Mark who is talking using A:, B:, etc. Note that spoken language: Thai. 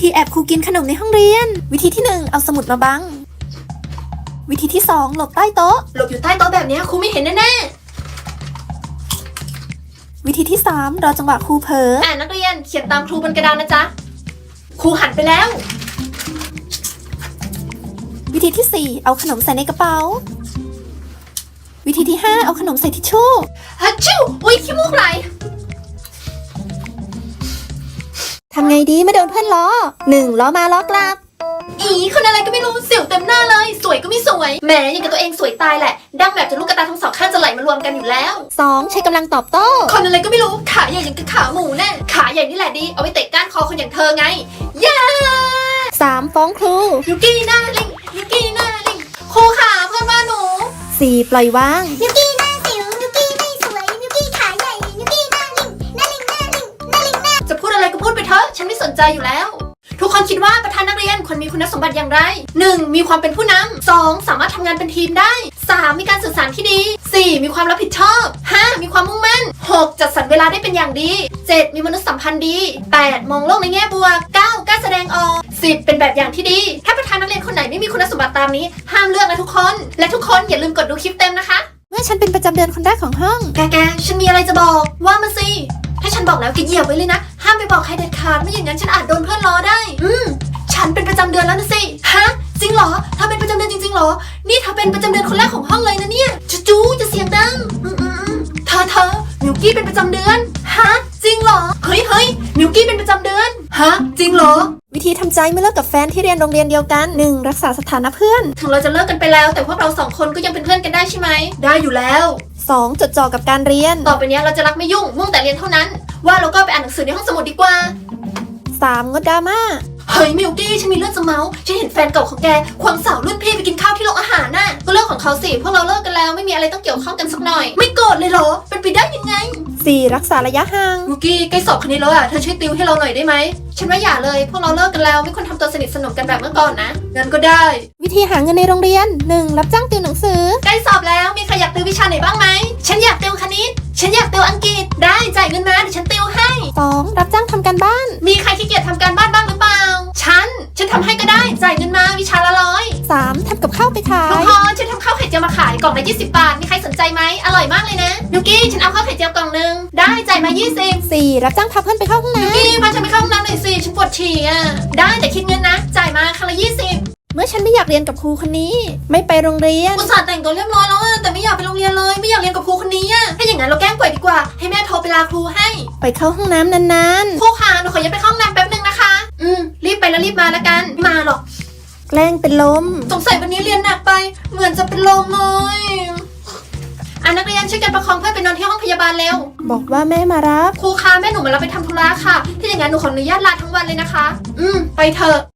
A: ธีแอบครูกินขนมในห้องเรียนวิธีที่1เอาสมุดมาบังวิธีที่2หลบใต้โต๊ะ
B: หลบอยู่ใต้โต๊ะแบบนี้ครูไม่เห็นแน่
A: วิธีที่3รอจังหวะครูเผลอ
B: นักเรียนเขียนตามครูบนกระดานนะจ๊ะครูหันไปแล้ว
A: วิธีที่4เอาขนมใส่ในกระเป๋าวิธีที่5เอาขนมใส่ทิชชู่
B: ฮัชชูอุ๊ยขี้มูกไหล
A: ทำไงดีไม่โดนเพื่อนล้อ1ล้อมาล้อกลับ
B: คนอะไรก็ไม่รู้สิวเต็มหน้าเลยสวยก็ไม่สวยแหมยังกับตัวเองสวยตายแหละดั้งแบบจนลูกกระตาทั้งสองข้างจะไหลมารวมกันอยู่แล้ว
A: 2ใช้กำลังตอบโต้
B: คนอะไรก็ไม่รู้ขาใหญ่อย่างกับขาหมูแน่ขาใหญ่นี่แหละดีเอาไว้เตะก้านคอคนอย่างเธอไง
A: 3ฟ้องครู
B: ยูกี้หน้าลิงยูกี้หน้าลิงครูขาเพื่อนว่าหนู
A: 4ปล่อยวาง
C: ยูกี้หน้าสิวยูกี้ไม่สวยยูกี้ขาใหญ่ยูกี้หน้าลิงหน้าลิงหน้าลิงหน้าลิงหน้า
B: จะพูดอะไรก็พูดไปเถอะฉันไม่สนใจอยู่แล้วทุกคนคิดว่าประธานนักเรียนควรมีคุณสมบัติอย่างไร 1. มีความเป็นผู้นำ 2. สามารถทำงานเป็นทีมได้ 3. มีการสื่อสารที่ดี 4. มีความรับผิดชอบ 5. มีความมุ่งมั่น 6. จัดสรรเวลาได้เป็นอย่างดี 7. มีมนุษยสัมพันธ์ดี 8. มองโลกในแง่บวก 9. กล้าแสดงออก 10. เป็นแบบอย่างที่ดีถ้าประธานนักเรียนคนไหนไม่มีคุณสมบัติตามนี้ห้ามเลือกนะทุกคนและทุกคนอย่าลืมกดดูคลิปเต็มนะคะ
A: เมื่อฉันเป็นประจำเดือนคนแรกของห้อง
B: แกฉันมีอะไรจะบอกว่ามาสิถ้าฉันบอกแล้วแกเหยียบไว้เลยนะห้ามไปบอกใครเด็ดขาดไม่อย่างนั้นฉันอาจโดนเพื่อนล้อได้ฉันเป็นประจำเดือนแล้วนะสิฮะจริงเหรอเธอเป็นประจำเดือนจริงๆเหรอนี่เธอเป็นประจำเดือนคนแรกของห้องเลยนะเนี่ยจู๊จะเสียงดังเธอมิวกี้เป็นประจำเดือนฮะจริงเหรอเฮ้ยมิวกี้เป็นประจำเดือนฮะจริงเหรอ
A: วิธีทำใจเมื่อเลิกกับแฟนที่เรียนโรงเรียนเดียวกัน 1. รักษาสถานะเพื่อน
B: ถึงเราจะเลิกกันไปแล้วแต่พวกเรา2คนก็ยังเป็นเพื่อนกันได้ใช่ไหมได้อยู่แล้ว
A: 2. จดจ่อกับการเรียน
B: ต่อไปนี้เราจะรักไม่ยุ่งมุ่งแต่เรียนเท่านั้นว่าเราก็ไปอ่านหนังสือในห้องสมุดดีกว่า
A: 3. งดดราม่า
B: เฮ้ยมิวกี้ฉันมีเรื่องจะเมาส์ฉันเห็นแฟนเก่าของแกควงสาวรุ่นพี่ไปกินข้าวที่โรงอาหารน่ะก็เรื่องของเขาสิพวกเราเลิกกันแล้วไม่มีอะไรต้องเกี่ยวข้องกันสักหน่อยไม่โกรธเลยเหรอเป็นไปได้ยังไง
A: 4. รักษาระยะห่าง
B: มิวกี้ใกล้สอบคณิตแล้วอ่ะเธอช่วยติวให้เราหน่อยได้ไหมฉันว่าอย่าเลยพวกเราเลิกกันแล้วไม่ควรทำตัวสนิทสนมกันแบบเมื่อก่อนนะงั้นก็ได้
A: วิธีหาเงินในโรงเรียน 1. รับจ้างติวหนังสือ
B: ใกล้สอบแล้วมีใครอยากติววิชาไหนบ้างไหมฉันอยากติวคณิตฉันอยากติวอังกฤษได้จ่ายเงินมาเดี๋ยวฉันติวให้
A: 2. รับจ้างทำการบ้าน
B: มีใครขี้เกียจทำการบ้านบ้างหรือเปล่าฉันทำให้ก็ได้จ่ายเงินมาวิชาละ100
A: 3. ทำกับข้าวไปขาย
B: ทุกคนฉันทำข้าวไข่เจียวมาขายกล่องละ20 บาทมีใครสนใจไหมอร่อยมากเลยนะมิวกี้ฉันเอาข้าวไข่เจียวกล่องนึงได้จ่ายมา20
A: 4. รับจ้างพาเพื่อนไปเข้าห้องน้ำ
B: มิวกี้พาฉันไปเข้าห้องน้ำหน่อยสิฉันปวดฉี่อ่ะได้แต่คิดเงินนะจ่ายมาครั้งละ20
A: เมื่อฉันไม่อยากเรียนกับครูคนนี้ไม่ไปโรงเรียน
B: อุตส่าห์แต่งตัวเรียบร้อยแล้วแต่ไม่อยากไปโรงเรียนเลยไม่อยากเรียนกับครูคนนี้อ่ะถ้าอย่างนั้นเราแกล้งป่วยดีกว่าให้แม่โทรไปลาครูให้
A: ไปเข้าห้องน้ำนาน
B: ๆครูคะหนูขอย้ายไปเข้าห้องน้ำแป๊บนึงนะคะรีบไปแล้วรีบมาแล้วกันมาหรอก
A: แกล้งเป็นลม
B: สงสัยวันนี้เรียนหนักไปเหมือนจะเป็นลมเลยนักเรียนช่วยกันประคองเพื่อนไปนอนที่ห้องพยาบาลเร็ว
A: บอกว่าแม่มารับ
B: ครูคะแม่หนูมารับไปทำธุระค่ะถ้าอย่างนั้นหนูขออนุญาตลาทั้งวันเลยนะคะไปเถอะ